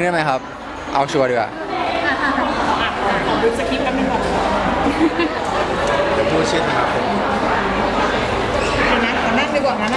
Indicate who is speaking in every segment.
Speaker 1: ได้ไหมครับเอาชัวร์ดีกว่า
Speaker 2: ขอดูสคริปต์กันหนึ่งก่อน
Speaker 3: เดี๋ยวพูดชื่อนะครับผม
Speaker 2: ขอนั่งดีกว่านะ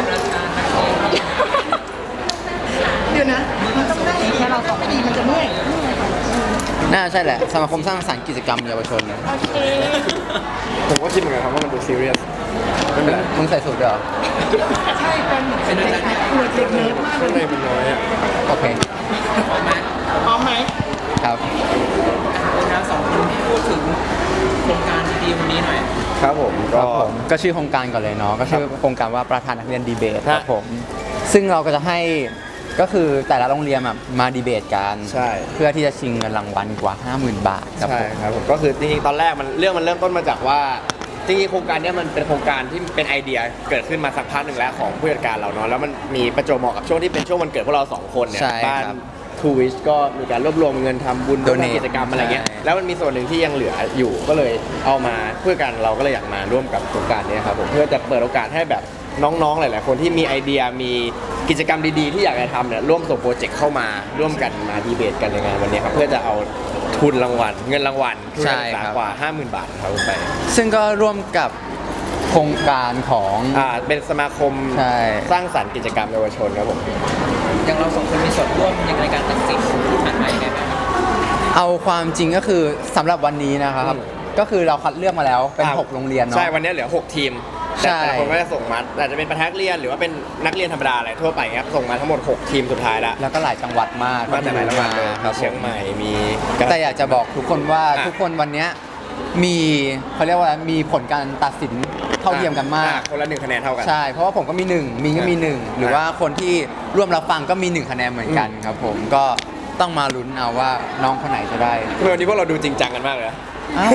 Speaker 2: เดี๋ยวนะมันต้องนั่งแค่เรา2 ปีมันจะเมื่อย
Speaker 1: น่าใช่แหละสมาคมสร้างสรรค์กิจกรรมเยาวชนนะ
Speaker 2: โอเค
Speaker 3: ผมก็คิดเหมือนกันครับว่ามันดูซีเรียสไม่เป็นไร
Speaker 1: มึงใส่สูทด้วยเหรอ
Speaker 2: ใช่เป็นเด็กเด็กเนิร์ดมากเล
Speaker 3: ข้างใน
Speaker 2: ย
Speaker 3: มันน้อยอ่ะ
Speaker 1: โอเค
Speaker 2: พร้อมไหม
Speaker 1: ครับ
Speaker 4: แล้วสองคนพูดถึงโครงการดีๆวันนี้หน่อย
Speaker 3: ครับผม
Speaker 1: ค
Speaker 3: ก็
Speaker 1: รับผมก็ชื่อโครงการก่อนเลยเนาะก็ชื่อโครงการว่าประธานนักเรียนดีเบตครับผมซึ่งเราก็จะให้ก็คือแต่ละโรงเรียนมาดีเบตกันเพื่อที่จะชิงเงินรางวัลกว่า 50,000 บาทครับ
Speaker 3: ใช่
Speaker 1: ผม
Speaker 3: ครับผมก็คือจริงๆตอนแรกมันเริ่มต้นมาจากว่าจริงๆโครงการนี้มันเป็นโครงการที่เป็นไอเดียเกิดขึ้นมาสักพักหนึ่งแล้วของผู้จัดการเราเนาะแล้วมันมีประจวบเหมาะกับช่วงที่เป็นช่วงวันเกิดพวกเรา2 คนเนี่ยบ้านทูวิชก็มีการรวบรวมเงินทำบุญทำกิจกรรมอะไรเงี้ยแล้วมันมีส่วนหนึ่งที่ยังเหลืออยู่ก็เลยเอามาเพื่อกันเราก็เลยอยากมาร่วมกับโครงการนี้ครับผมเพื่อจะเปิดโอกาสให้แบบน้องๆหลายๆคนที่มีไอเดียมีกิจกรรมดีๆที่อยากจะทำเนี่ยร่วมส่งโปรเจกต์เข้ามาร่วมกันมาดีเบตกันในงานวันนี้ครับเพื่อจะเอาทุนรางวัลเงินรางวัลทุนการศึกษากว่า 50,000 บาทครับไป
Speaker 1: ซึ่งก็ร่วมกับโครงการของ
Speaker 3: เป็นสมาคมสร้างสรรค์กิจกรรมเยาวชนครับผม
Speaker 4: อย่างเรา2 คนมีส่วนร่วมในการตัดสินที่ผ่านมาอย่างไรบ้าง
Speaker 1: เอาความจริงก็คือสำหรับวันนี้นะครับก็คือเราคัดเลือกมาแล้วเป็น6 โรงเรียนเนาะ
Speaker 3: ใช่วันนี้เหลือ6 ทีมแต่ละคนก็จะส่งมาอาจจะเป็นประธานนักเรียนหรือว่าเป็นนักเรียนธรรมดาอะไรทั่วไปครับส่งมาทั้งหมด6 ทีมสุดท้ายแล้ว
Speaker 1: ก็หลายจังหวัดมาก
Speaker 3: มาจากหลายจังหวัดเลยเชียงใหม่มี
Speaker 1: แต่อยากจะบอกทุกคนว่าทุกคนวันนี้มีเขาเรียกว่ามีผลการตัดสินเท่าเทียมกันมาก
Speaker 3: คนละ1 คะแนนเท่ากัน
Speaker 1: ใช่เพราะว่าผมก็มี1มินก็มี1หรือว่าคนที่ร่วมรับฟังก็มี1 คะแนนเหมือนกันครับผมก็ต้องมาลุ้นเอาว่าน้องคนไหนจะได้
Speaker 3: วันนี้พวกเราดูจริงจังกันมากเลย
Speaker 1: อ้าว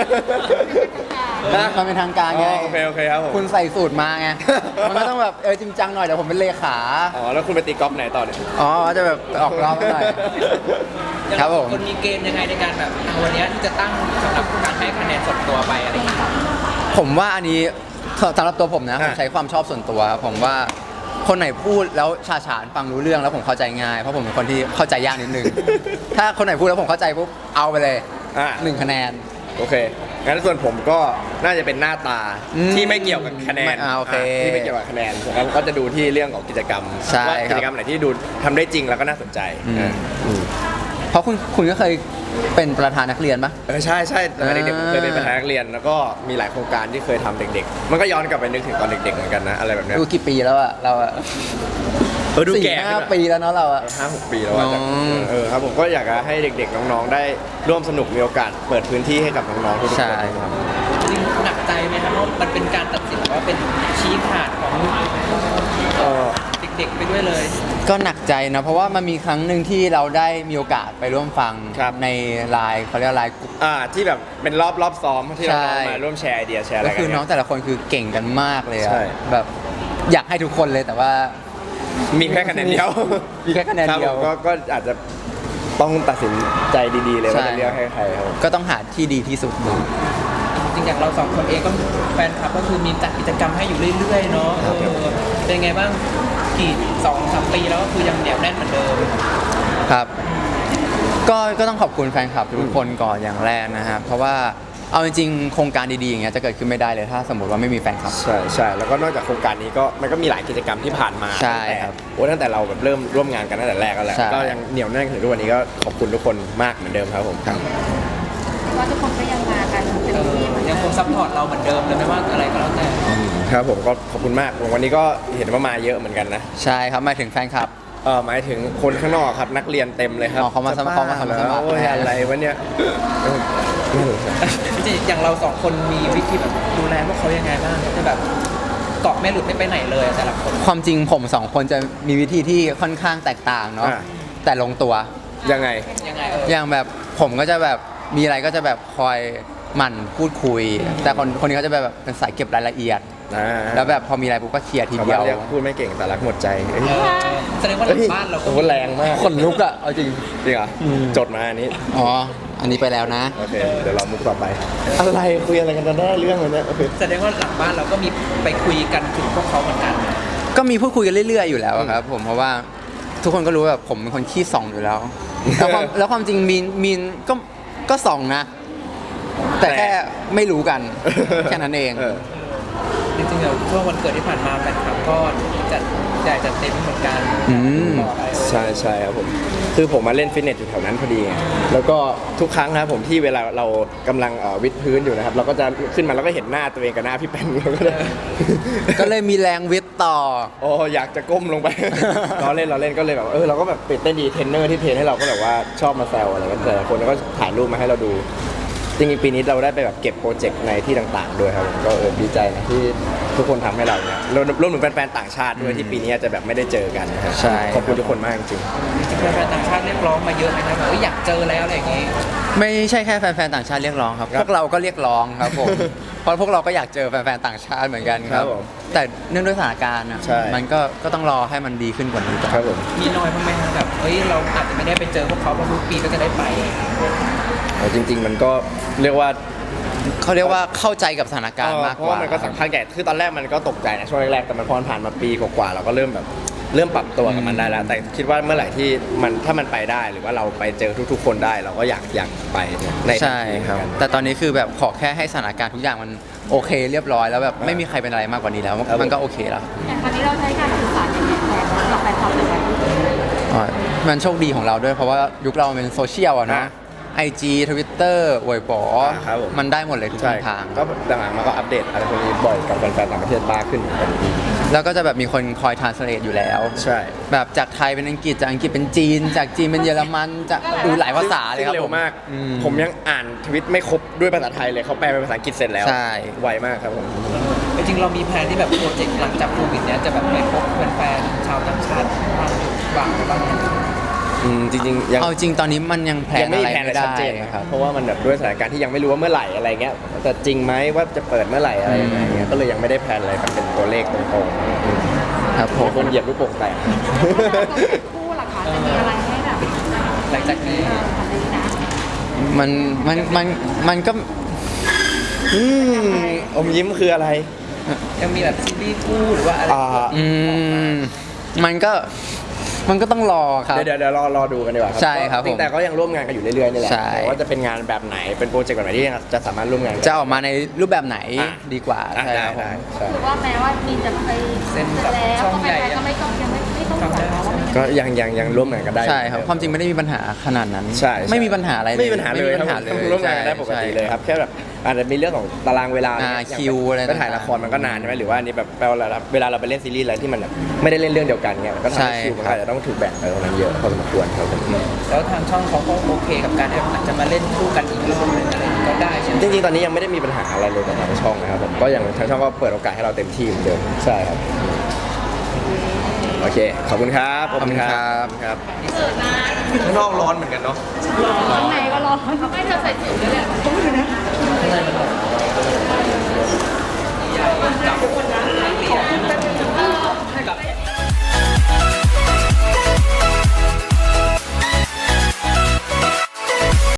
Speaker 1: มันเป็นทางการไง
Speaker 3: โอเคครับผม
Speaker 1: คุณใส่สูตรมาไงมันก็ต้องแบบจริงจังหน่อยเดี๋ยวผมเป็นเลขา
Speaker 3: แล้วคุณไปตีกอล์ฟไหนต่อเนี่ย
Speaker 1: จะแบบออกรอบหน่อยครับผม
Speaker 4: คนมีเกณฑ์ยังไงในการแบบวันนี้ที่จะตั้งสำหรับการให้คะแนนส่วนตัวไปอะไรอย่างเงี้ย
Speaker 1: ผมว่าอันนี้สำหรับตัวผมนะผมใช้ความชอบส่วนตัวครับผมว่าคนไหนพูดแล้วฉาฉานฟังรู้เรื่องแล้วผมเข้าใจง่ายเพราะผมเป็นคนที่เข้าใจยากนิดนึงถ้าคนไหนพูดแล้วผมเข้าใจปุ๊บเอาไปเลย1 คะแนน
Speaker 3: โอเคงั้นส่วนผมก็น่าจะเป็นหน้าตาที่ไม่เกี่ยวกับคะแนนที่ไม่เกี่ยวกับคะแนนแล้วก็จะดูที่เรื่องของกิจกรรมว่ากิจกรรมไหนที่ดูทำได้จริงแล้วก็น่าสนใจ
Speaker 1: เพราะคุณก็เคยเป็นประธานนักเรียนปะ
Speaker 3: ใช่ตอนเด็กๆเคยเป็นประธานนักเรียนแล้วก็มีหลายโครงการที่เคยทำเด็กๆมันก็ย้อนกลับไปนึกถึงตอนเด็กๆเหมือนกันนะอะไรแบบนี้
Speaker 1: ดูกี่ปีแล้วอะเราอะ
Speaker 3: ดูแก่
Speaker 1: 5 ปีแล้วเนาะเราอะ
Speaker 3: 5-6 ปีแล้วครับผมก็อยากให้เด็กๆน้องๆได้ร่วมสนุกมีโอกาสเปิดพื้นที่ให้กับน้องๆทุกคน
Speaker 1: ใช่
Speaker 4: จริงหนักใจไหมครับว่ามันเป็นการตัดสินว่าเป็นชี้ขาดของเด็กๆไปด้วยเลย
Speaker 1: ก็หนักใจนะเพราะว่ามันมีครั้งหนึ่งที่เราได้มีโอกาสไปร่วมฟังในไลน์เขาเรียกไลน์กลุ่ม
Speaker 3: ที่แบบเป็นรอบซ้อมที่เรามาร่วมแชร์ไอเดียแชร์อะไรกัน
Speaker 1: ก็คือน้องแต่ละคนคือเก่งกันมากเลยอะแบบอยากให้ทุกคนเลยแต่ว่า
Speaker 3: มีแค่คะแนนเดียว
Speaker 1: มีแค่คะแนนเดียว
Speaker 3: ก็อาจจะต้องตัดสินใจดีๆเลยว่าจะเลือกให้ใครครับ
Speaker 1: ก็ต้องหาที่ดีที่สุดดู
Speaker 4: จริงๆอย่างเรา2 คนเองก็แฟนคลับก็คือมีจัดกิจกรรมให้อยู่เรื่อยๆเนาะเป็นไงบ้างกี่2-3 ปีแล้วก็คือยังเหนียวแน่นเหมือนเดิม
Speaker 1: ครับก็ต้องขอบคุณแฟนคลับทุกคนก่อนอย่างแรกนะครับเพราะว่าเอาจริงๆโครงการดีๆอย่างเงี้ยจะเกิดขึ้นไม่ได้เลยถ้าสมมติว่าไม่มีแฟนคลับ
Speaker 3: ใช่แล้วก็นอกจากโครงการนี้ก็มันก็มีหลายกิจกรรมที่ผ่านมา
Speaker 1: ใช่ครับ
Speaker 3: ตั้งแต่เราแบบเริ่มร่วมงานกันตั้งแต่แรกแล้วก็ยังเหนียวแน่นถึงทุกวันนี้ก็ขอบคุณทุกคนมากเหมือนเดิมครับผม
Speaker 2: ว่าทุกคนก็ยังมากันเต็มที่
Speaker 4: ยังคงซัพพอร์ตเราเหมือนเดิมเลยไม่ว่าอะไรก็แล้วแต่
Speaker 3: ครับผมก็ขอบคุณมากวันนี้ก็เห็นว่ามาเยอะเหมือนกันนะ
Speaker 1: ใช่ครับหมายถึงแฟนคลับ
Speaker 3: หมายถึงคนข้างนอกครับนักเรียนเต็มเลยครับ
Speaker 1: เขามาสมัคร
Speaker 3: อะไรวะเนี่ย
Speaker 4: จริงอย่างเรา2 คนมีวิธีแบบดูแลพวกเขายังไงบ้างจะแบบเกาะไม่หลุดไม่ไปไหนเลยแต่ละคน
Speaker 1: ความจริงผม2 คนจะมีวิธีที่ค่อนข้างแตกต่างเนาะแต่ลงตัว
Speaker 3: ยังไง
Speaker 1: อย่างแบบผมก็จะแบบมีอะไรก็จะแบบคอยหมั่นพูดคุยแต่คนนี้เขาจะแบบเป็นสายเก็บรายละเอียดแล้วแบบพอมีอะไรปุ๊บก็เคลียร์ทีเดียว
Speaker 3: พูดไม่เก่งแต่รักหมดใจ
Speaker 4: แสดงว่าหลังบ้านเราก็
Speaker 3: แรงมาก
Speaker 1: คนลุกอะเอาจริง
Speaker 3: เหรอจดมาอันนี้
Speaker 1: อันนี้ไปแล้วนะ
Speaker 3: โอเคเดี๋ยวเรามุกต่อไปอะไรคุยอะไรกันได้เรื่องเลยเนี่ย
Speaker 4: แสดงว่าหลังบ้านเราก็มีไปคุยกันถึงพวกเขาเหมือนกัน
Speaker 1: ก็มีพูดคุยกันเรื่อยๆอยู่แล้วครับผมเพราะว่าทุกคนก็รู้แบบผมเป็นคนขี้ส่องอยู่แล้วแล้วความจริงมีนก็ส่องนะ แต่แค่ไม่รู้กัน แค่นั้นเอง
Speaker 4: จริงๆเดี๋ยวช่วงวันเกิดที่ผ่านมาแฟนคลับก็จัดใหญ่จัดเต็มเหมือนกัน
Speaker 1: อืม
Speaker 4: บอกอะไร
Speaker 3: ใช่ใช่ครับผมคือผมมาเล่นฟิตเนสอยู่แถวนั้นพอดีไงแล้วก็ทุกครั้งนะครับผมที่เวลาเรากำลังวิดพื้นอยู่นะครับเราก็จะขึ้นมาแล้วก็เห็นหน้าตัวเองกับหน้าพี่แป้นเราก็เลย
Speaker 1: ก็เลยมีแรงวิทย์ต่อ
Speaker 3: โอ้อยากจะก้มลงไป เราเล่นก็เลยแบบเราก็แบบตื่นเต้นดีเทรนเนอร์ที่เทรนให้เราก็แบบว่าชอบมาแซวอะไรกันแต่ละคนแล้วก็ถ่ายรูปมาให้เราดูจริงๆปีนี้เราได้ไปแบบเก็บโปรเจกต์ในที่ต่างๆด้วยครับผมก็ดีใจนะที่ทุกคนทำให้เราเนี่ยรวมถึงแฟนๆต่างชาติด้วยที่ปีนี้อาจจะแบบไม่ได้เจอกันนะครับ
Speaker 1: ใช่
Speaker 3: ขอบคุณทุกคนมากจริง
Speaker 4: จริงๆแฟนๆต่างชาติเรียกร้องมาเยอะไหมครับแบบอยากเจอแล้วอะไรอย่างงี้
Speaker 1: ไม่ใช่แค่แฟนๆต่างชาติเรียกร้องครับ พวกเราก็เรียกร้องครับผม เพราะพวกเราก็อยากเจอแฟนๆต่างชาติเหมือนกันครับ แต่เนื่องด้วยสถานการณ์อะ
Speaker 3: ใช่
Speaker 1: มันก็ต้องรอให้มันดีขึ้นกว่านี้ก่อน
Speaker 3: ครับผม
Speaker 4: มีน้อยบ้างไหมครับแบบเราอาจจะไม่ได้ไปเจอพวกเขาเพราะทุกปีก็จะได้ไป
Speaker 3: จริง ๆ มันก็เรียกว่า
Speaker 1: เขาเรียกว่าเข้าใจกับสถานการณ์มาก
Speaker 3: เพ
Speaker 1: ก
Speaker 3: ราะ
Speaker 1: ว่า
Speaker 3: ว่ามันก็สำคัญแก่คือตอนแรกมันก็ตกใจนะช่วงแรกๆแต่มันพอผ่านมาปีกว่าๆเราก็เริ่มปรับตัวกับมันได้แล้ว แต่คิดว่าเมื่อไหร่ที่ถ้ามันไปได้หรือว่าเราไปเจอทุกๆคนได้เราก็อยากไปในทันที
Speaker 1: ใช่ครับ
Speaker 3: เหมือนกัน
Speaker 1: แต่ตอนนี้คือแบบขอแค่ให้สถานการณ์ทุกอย่างมันโอเคเรียบร้อยแล้วแบบไม่มีใครเป็นอะไรมากกว่านี้แล้ว
Speaker 3: ครับ
Speaker 1: มันก็โอเคแล้ว
Speaker 2: อย่างตอนนี้เราใช้การสื่อสารยังไงแทนกับแฟนคลับเลยไหม
Speaker 1: อ๋อมันโชคดีของเราด้วยเพราะว่ายุคเรามันเป็นโซเชียลอะเนาะ IG Twitter อวยป๋อ
Speaker 3: ครับผม
Speaker 1: มันได้หมดเลยทุกช่
Speaker 3: ใช่
Speaker 1: องทาง
Speaker 3: ก็หลังๆมาก็อัปเดตอะไรพวกนี้บ่อยกับแฟนๆต่างประเทศมากขึ้นเหมือนกัน
Speaker 1: แล้วก็จะแบบมีคนคอยทรานสเลทอยู่แล้ว
Speaker 3: ใช่
Speaker 1: แบบจากไทยเป็นอังกฤษจากอังกฤษเป็นจีน จากจีนเป็นเยอรมันจากหลายภาษาเลยครับ
Speaker 3: ซึ่งเร็วมาก
Speaker 1: อื
Speaker 3: ผมยังอ่านทวิตไม่ครบด้วยภาษาไทยเลยเขาแปลเป็นภาษาอังกฤษเสร็จแล้ว
Speaker 1: ใช่
Speaker 3: ไวมากครับผม
Speaker 4: จริงๆเรามีแผนที่แบบโปรเจกต์หลังจากโควิดเนี้ยจะแบบไปพบแฟนๆชาวต่างชาติบ้างบ้างไหม
Speaker 3: จริงๆยัง
Speaker 1: เอาจริงตอนนี้มันยังแพล
Speaker 3: ยั
Speaker 1: น
Speaker 3: งไม่
Speaker 1: อะไร
Speaker 3: มีแผนอะไร
Speaker 1: ไม่ได้
Speaker 3: ชัดเจนนะ
Speaker 1: ค
Speaker 3: ค
Speaker 1: รั
Speaker 3: รับ บเพราะว่ามันแบบด้วยสถานการณ์ที่ยังไม่รู้ว่าเมื่อไหร่อะไรเงี้ยแต่จริงไหมว่าจะเปิดเมื่อไหร่อะไรยังไงเงี้ยก็เลยยังไม่ได้แผนอะไรแบบเป็นตัวเลขตรงๆ
Speaker 1: ครับผ
Speaker 3: ผม
Speaker 1: ม
Speaker 3: คนเหยียบลูกโป่งแตก
Speaker 2: คู่ล่ะคะจะมีอะไรให้แบบ
Speaker 4: หลังจากนี้
Speaker 2: ทำได้นะ
Speaker 1: มันก็
Speaker 3: อมยิ้มคืออะไร
Speaker 4: ยังมีแบบซีรีส์คู่หรือว่าอะไร
Speaker 1: อืมมันก็ต้องรอครับ
Speaker 3: เดี๋ยวรอดูกันดีกว่า
Speaker 1: ใช่ครับ
Speaker 3: จริงๆแต่ก็ยังร่วมงานกันอยู่เรื่อยๆนี่แหละ
Speaker 1: ใช่
Speaker 3: แต่ว่าจะเป็นงานแบบไหนเป็นโปรเจกต์แบบไหนที่จะสามารถร่วมงานกัน
Speaker 1: จะออกมาในรูปแบบไหน
Speaker 3: อ่ะ
Speaker 1: ดีกว่า
Speaker 3: อ่ะ
Speaker 1: ใช่
Speaker 3: ได้
Speaker 1: ครับผม
Speaker 3: ได้ใช่
Speaker 2: คือว่าแม้ว่ามีนจะไปแล้วก็แฟนๆก็ไม่ต้องยังไม่ต้องห่วงเนาะว่ามัน
Speaker 3: ก็ยังร่วมงานกันได้
Speaker 1: ใช่ครับความจริงไม่ได้มีปัญหาขนาดนั้น
Speaker 3: ใช่
Speaker 1: ไม่มีปัญหาอะไรเลย
Speaker 3: ไม่มีปัญหาเลย
Speaker 1: ไม่มีปัญหาเลย
Speaker 3: ครับร่วมงานกันได้ปกติเลยครับแค่แบบอาจจะมีเรื่องของตารางเวลา
Speaker 1: คิวอะไร
Speaker 3: ก็ถ่ายละครมันก็นานใช่ไหมหรือว่าอันนี้แบบเวลาเราไปเล่นซีรีส์อะไรที่มันแบบไม่ได้เล่นเรื่องเดียวกันเงี้ยมันก็ทำให้คิวมันก็อาจจะต้องถูกแบ่งไปตรงนั้นเยอะพอสมควรครับผม
Speaker 4: แล้วทางช่องเขาก็โอเคกับการที่อาจจะมาเล่นคู่กันอีกรอบหนึงอะไรอย่างงี้ก็ได้ใช่ไหม
Speaker 3: จริงๆตอนนี้ยังไม่ได้มีปัญหาอะไรเลยกับทางช่องนะครับผมก็ยังทางช่องก็เปิดโอกาสให้เราเต็มที่เหมือนเดิมใช่ครับโอเคขอบคุณครับ
Speaker 1: ขอบคุณครับ
Speaker 3: ครับข้างนอกร้อนเหมือนกันเนาะ
Speaker 2: ข้างในก็ร้อนเขาไม่จะใส่ถุงด้วยแหละ
Speaker 4: ข้างในมันแบบ